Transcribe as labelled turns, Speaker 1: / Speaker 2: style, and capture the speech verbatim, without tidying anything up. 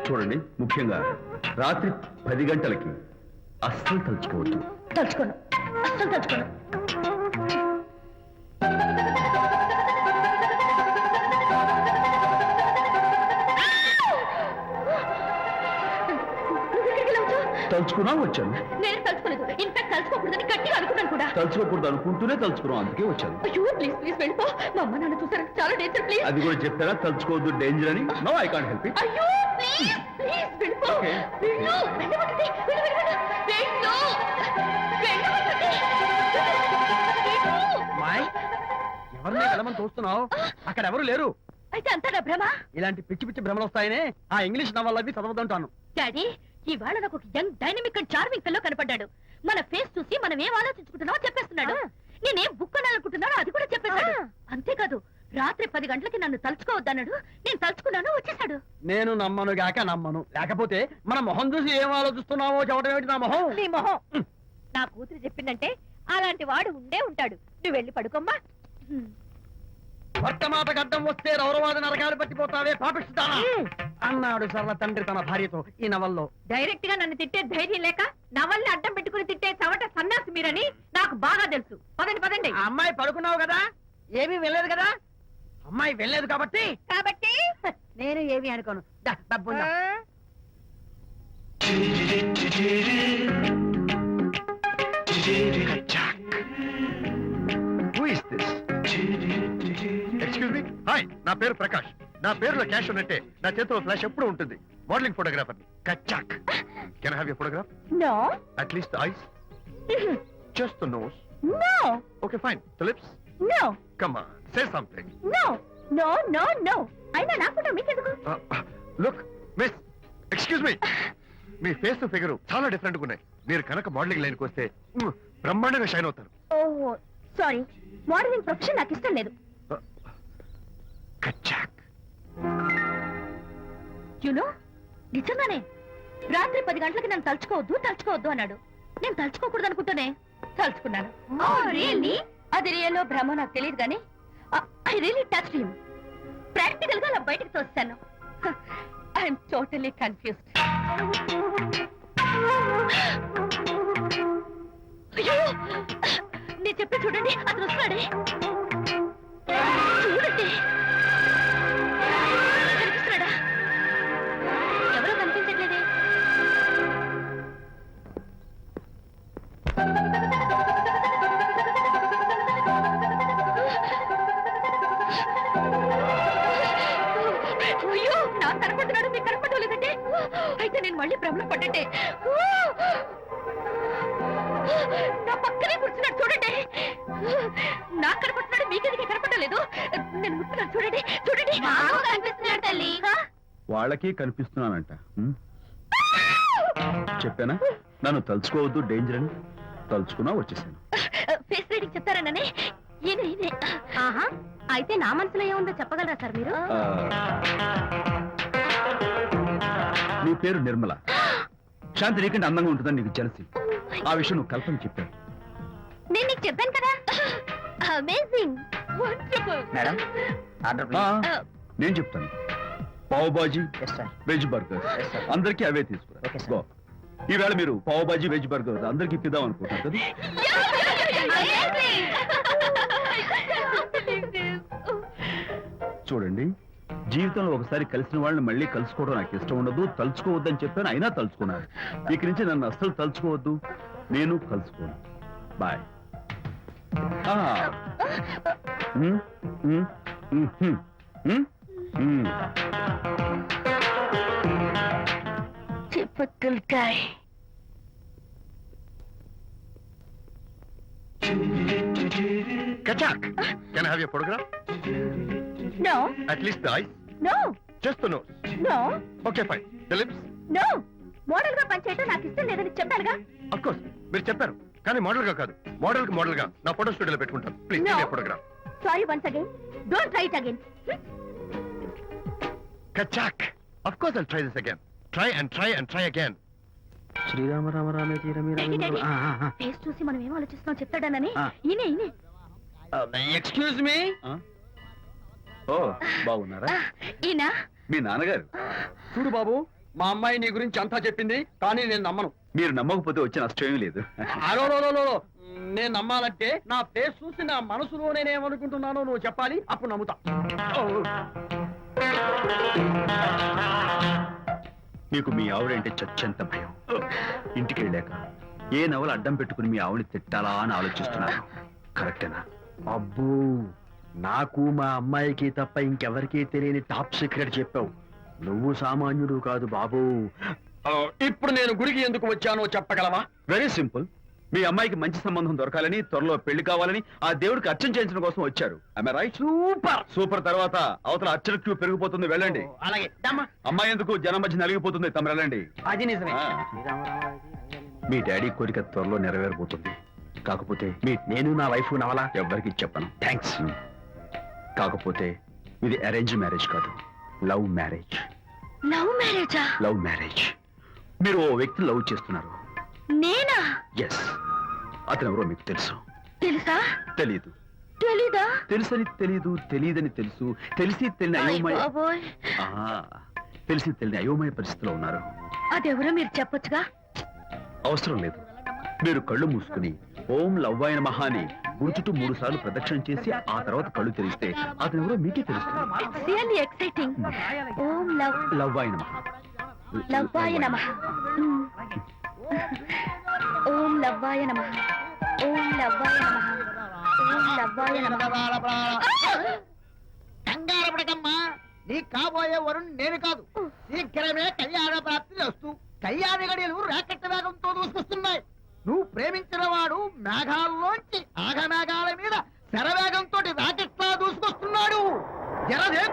Speaker 1: చూడండి, ముఖ్యంగా రాత్రి పది గంటలకి అస్సలు తలుచుకోవద్దు.
Speaker 2: తలుచుకోను, అస్సలు తలుచుకోను.
Speaker 1: తలుచుకున్నా వచ్చాను.
Speaker 2: నేను తలుచుకోలేదు. ఇన్ఫాక్ట్ తలుచుకోకూడదని గట్టిగా అనుకున్నాను కూడా.
Speaker 1: తలుచుకోకూడదు అనుకుంటూనే తలుచుకున్నాం, అందుకే వచ్చాను.
Speaker 2: అయ్యో ప్లీజ్ ప్లీజ్ వెళ్ళిపో. మా అమ్మ నాన్న చూసారు, చాలా డేంజర్. ప్లీజ్.
Speaker 1: అది కూడా చెప్తారా తలుచుకోవద్దు డేంజర్ అని? No, I can't help it.
Speaker 2: అయ్యో ప్లీజ్ ప్లీజ్ వెళ్ళిపో.
Speaker 1: Okay.
Speaker 2: వెళ్ళు, వెళ్ళమంటుంది. వెళ్ళు, వెళ్ళు, వెళ్ళు. వెళ్ళు. వెళ్ళమంటుంది. వెళ్ళు.
Speaker 3: మాయ్, ఎవరిని వెళ్ళమని చూస్తున్నావు? అక్కడ ఎవరు లేరు.
Speaker 2: అయితే అంతా నా భ్రమ.
Speaker 3: ఇలాంటి పిచ్చి పిచ్చి భ్రమలు వస్తాయనే ఆ ఇంగ్లీష్ నవల్ అవి చదవదంటాను.
Speaker 2: డాడీ, ఇవాళ నాకు ఒక యంగ్ డైనమిక్ అండ్ చార్మింగ్ పిల్లో కనపడ్డాడు. మన ఫేస్ చూసి మనం ఏం ఆలోచించుకుంటున్నామో చెప్పేస్తున్నాడు. నేనేం బుక్ అనాలనుకుంటున్నానో అది కూడా చెప్పేశాడు. అంతేకాదు, రాత్రి పది గంటలకి నన్ను తలుచుకోవద్దన్నాడు. నేను తలుచుకున్నాను, వచ్చేసాడు.
Speaker 3: నేను నమ్మను గాక నమ్మను. లేకపోతే మన మొహం చూసి ఏం ఆలోచిస్తున్నావో చెప్పడం ఏమిటి? నా మొహం
Speaker 2: నీ మొహం. నా కూతురు చెప్పిందంటే అలాంటి వాడు ఉండే ఉంటాడు. నువ్వు వెళ్ళి పడుకోమ్మా.
Speaker 3: వర్తమాట గడ్డం వస్తే రౌరవాద నరకాలు పట్టిపోతావే పాపిస్తానా అన్నాడు సరళ తండ్రి తన భార్యతో ఈ నవల్లో.
Speaker 2: డైరెక్ట్ గా నన్ను తిట్టే ధైర్యం లేక నవల్ని అడ్డం పెట్టుకుని తిట్టే చవట సన్యాసి మీరని నాకు బాగా తెలుసు. పదండి పదండి.
Speaker 3: ఆ అమ్మాయి పడుకున్నావు కదా, ఏమీ వెళ్ళలేదు కదా. అమ్మాయి వెళ్ళలేదు కాబట్టి
Speaker 2: కాబట్టి
Speaker 3: నేను ఏమీ అనుకోను. దా, డబ్బు ఉందా?
Speaker 4: Who is this? Excuse me? Hi, నా పేరు ప్రకాష్. నా పేరులో క్యాష్ ఉన్నట్టే నా చేతిలో ఫ్లాష్ ఎప్పుడు ఉంటుంది. Modelling photographer Kachak. Can I have your photograph?
Speaker 2: No.
Speaker 4: At least the eyes? Just the nose?
Speaker 2: No.
Speaker 4: Okay, fine. The lips?
Speaker 2: No.
Speaker 4: Come on, say something.
Speaker 2: No no no no. అయినా నా photo మీకెందుకు?
Speaker 4: Uh, look, miss. Excuse me. మీ face figure చాలా different గా ఉన్నాయి. మీరు కనుక modelling లైన్కి వస్తే మ్, బ్రహ్మాండంగా షైన్ అవుతారు.
Speaker 2: ఓహో సారీ, మోడలింగ్ ప్రొఫెషన్ నాకు ఇష్టం లేదు.
Speaker 4: కచ్చాక్.
Speaker 2: యునో, నిజంగానే రాత్రి పది గంటలకి నన్ను తలుచుకోవద్దు తలుచుకోవద్దు అన్నాడు. నేను తలుచుకోకూడదు అనుకుంటూనే తలుచుకున్నాను. అది రియల్లో భ్రమ నాకు తెలియదు కానీ I really touch him. Practical గా అలా బయటకు తోస్తాను. I'm totally confused. అయ్యో, నేను చెప్పి చూడండి, అతను వస్తున్నాడే. చూడండి, కనిపిస్తున్నాడా? ఎవరో కనిపించట్లేదే. అయ్యో, నాకు కనపడుతున్నాడు, మీకు కనపడటం లేదంటే అయితే నేను మళ్ళీ భ్రమలో పడ్డంటే. నా పక్కనే కూర్చున్నాడు చూడండి. నాకు కనపడుతున్నాడు, మీకెందుకు కనపడలేదు? నేను ముట్టున్నాను చూడండి. చూడండి, కనిపిస్తున్నాడు తల్లి.
Speaker 1: వాళ్ళకి కనిపిస్తున్నానంట. హ్మ్? చెప్పానా నన్ను తలుచుకోవద్దు డేంజర్ అని? తలుచుకున్నా వచ్చేసాను.
Speaker 2: ఫేస్ రీడింగ్ చెప్తారననే. ఈయన ఈయనే. ఆహా, అయితే నా మనసులో ఏముందో చెప్పగలరా సార్ మీరు?
Speaker 1: ఆ, నీ పేరు నిర్మల. శాంతి నీకంటే అందంగా ఉంటుందని నీకు తెలిసి ఆ విషయం నువ్వు కల్పన చెప్పాను.
Speaker 2: నేను నీకు చెప్పాను కదా. Amazing, wonderful.
Speaker 3: మేడం, ఆర్డర్
Speaker 1: ఆ,
Speaker 3: ప్లీజ్.
Speaker 1: నేను చెప్తాను. Pav bhaji,
Speaker 3: yes sir.
Speaker 1: Veg burger
Speaker 3: Yes, sir.
Speaker 1: అందరికీ అవే తీసుకురా.
Speaker 3: Okay, sir.
Speaker 1: గో. ఈవేళ మీరు పావ్ బాజీ వెజ్ బర్గర్ అందరికీ ఇద్దాం అనుకుంటారు కదా. చూడండి, జీవితంలో ఒకసారి కలిసిన వాళ్ళని మళ్ళీ కలుసుకోవడం నాకు ఇష్టం ఉండదు. తలుచుకోవద్దని చెప్పాను, అయినా తలుచుకున్నాను. ఇక నుంచి నన్ను అస్సలు తలుచుకోవద్దు, నేను కలుసుకోను. Bye.
Speaker 2: Typical guy.
Speaker 4: Kachak. Can I have your photograph?
Speaker 2: No,
Speaker 4: At least the eyes?
Speaker 2: no,
Speaker 4: Just the nose?
Speaker 2: no,
Speaker 4: Okay, fine. The lips?
Speaker 2: no. Model గా పనిచేయటం నాకు ఇష్టం లేదని చెప్పానుగా.
Speaker 4: Of course. మీరు చెప్పారు కానీ మోడల్ గా కాదు. మోడల్ కి మోడల్ గా నా ఫోటో స్టూడియోలో పెట్టుకుంటాను. Please
Speaker 2: No.
Speaker 4: Photograph.
Speaker 2: Sorry once again. Don't try it again.
Speaker 4: Kachak. Of course I'll try this again. Try and try and try again.
Speaker 3: శ్రీరామ రామ రామే తీరమి
Speaker 2: ఫేస్ చూసి మనం ఏం ఆలోచిస్తున్నాం చెప్తాడనని.
Speaker 3: ఆ.
Speaker 2: ఈయనే ఈయనే.
Speaker 3: Excuse me.
Speaker 1: ఓ, బాగున్నారా?
Speaker 2: ఈయన
Speaker 1: మీ నాన్నగారు.
Speaker 3: చూడు బాబు, మా అమ్మాయి నీ గురించి అంతా చెప్పింది, కానీ నేను నమ్మను.
Speaker 1: మీరు నమ్మకపోతే వచ్చే నష్టం ఏమీ లేదు.
Speaker 3: అలో లో, లో, లో, లో. నేను నమ్మాలంటే నా ఫేస్ చూసి నా మనసులో నేనేమనుకుంటున్నానో నువ్వు చెప్పాలి, అప్పుడు నమ్ముతా. ఓ.
Speaker 1: మీకు మీ ఆవిడంటే చచ్చంత భయం. ఇంటికి వెళ్ళాక ఏ నవల అడ్డం పెట్టుకుని మీ ఆవిడని తిట్టాలా అని ఆలోచిస్తున్నాను. కరెక్టేనా?
Speaker 3: అబ్బో, నాకు మా అమ్మాయికి తప్ప ఇంకెవరికీ తెలియని టాప్ సీక్రెట్ చెప్పావు. నువ్వు సామాన్యుడు కాదు బాబు. ఆ, ఇప్పుడు నేను గుడికి ఎందుకు వచ్చానో చెప్పగలవా?
Speaker 1: Very simple. మీ అమ్మాయికి మంచి సంబంధం దొరకాలని, త్వరలో పెళ్లి కావాలని ఆ దేవుడికి అర్చన చేయించడం కోసం వచ్చారు. Am I right?
Speaker 3: Super.
Speaker 1: Super తర్వాత అవతల అర్చన క్యూ పెరిగిపోతుంది, వెళ్ళండి.
Speaker 3: అలాగే దమ్మా.
Speaker 1: అమ్మాయి ఎందుకు జనం మధ్య నలిగిపోతుంది, తమ వెళ్ళండి.
Speaker 3: అది నిజమే.
Speaker 1: ఆ. మీ డాడీ కోరిక త్వరలో నెరవేరబోతుంది. కాకపోతే మీ
Speaker 3: నేను నా వైఫ్ నవలా
Speaker 1: ఎవ్వరికి చెప్పను.
Speaker 3: థ్యాంక్స్.
Speaker 1: కాకపోతే ఇది అరేంజ్ మ్యారేజ్ కాదు, లవ్ మ్యారేజ్.
Speaker 2: లవ్ మ్యారేజా?
Speaker 1: Love marriage. మీరు ఓ వ్యక్తి లవ్ చేస్తున్నారు.
Speaker 2: నేనా?
Speaker 1: ఎస్. అతను ఎవరో మీకు తెలుసు.
Speaker 2: తెలుసా?
Speaker 1: తెలీదు.
Speaker 2: తెలీదా?
Speaker 1: తెలుసని తెలీదు, తెలియదని తెలుసు, తెలిసి తెలియని
Speaker 2: అయ్
Speaker 1: అయోమయ
Speaker 2: బాబోయ్.
Speaker 1: ఆ, తెలిసి తెలియని అయోమయ పరిస్థితిలో ఉన్నారు.
Speaker 2: అదెవరో మీరు చెప్పొచ్చుగా.
Speaker 1: అవసరం లేదు. మీరు కళ్ళు మూసుకుని ఓం లవ్వాయ నమః అని గుడి చుట్టూ మూడు సార్లు ప్రదక్షిణ చేసి ఆ తర్వాత కళ్ళు తెరిస్తే అతను ఎవరో మీకే తెలుస్తుంది.
Speaker 2: It's really exciting. ఓం లవ్
Speaker 1: లవ్వాయ నమః.
Speaker 2: లవ్వాయ నమః. మ్మ్. ఓం లవ్వాయ నమః. ఓం లవ్వాయ నమః. ఓం లవ్వాయ నమః.
Speaker 5: కంగారు పడకమ్మా, నీ కాబోయే వరుణ్ నేను కాదు. శీఘ్రమే కళ్యాణ ప్రాప్తి వస్తూ కళ్యాణ గడియలు రాకెట్ వేగంతో దూసుకొస్తున్నాయి. నువ్వు ప్రేమించిన వాడు మేఘాల్లోంచి ఆగమేఘాల మీద శరవేగంతో రాకెట్లా దూసుకొస్తున్నాడు. జరదే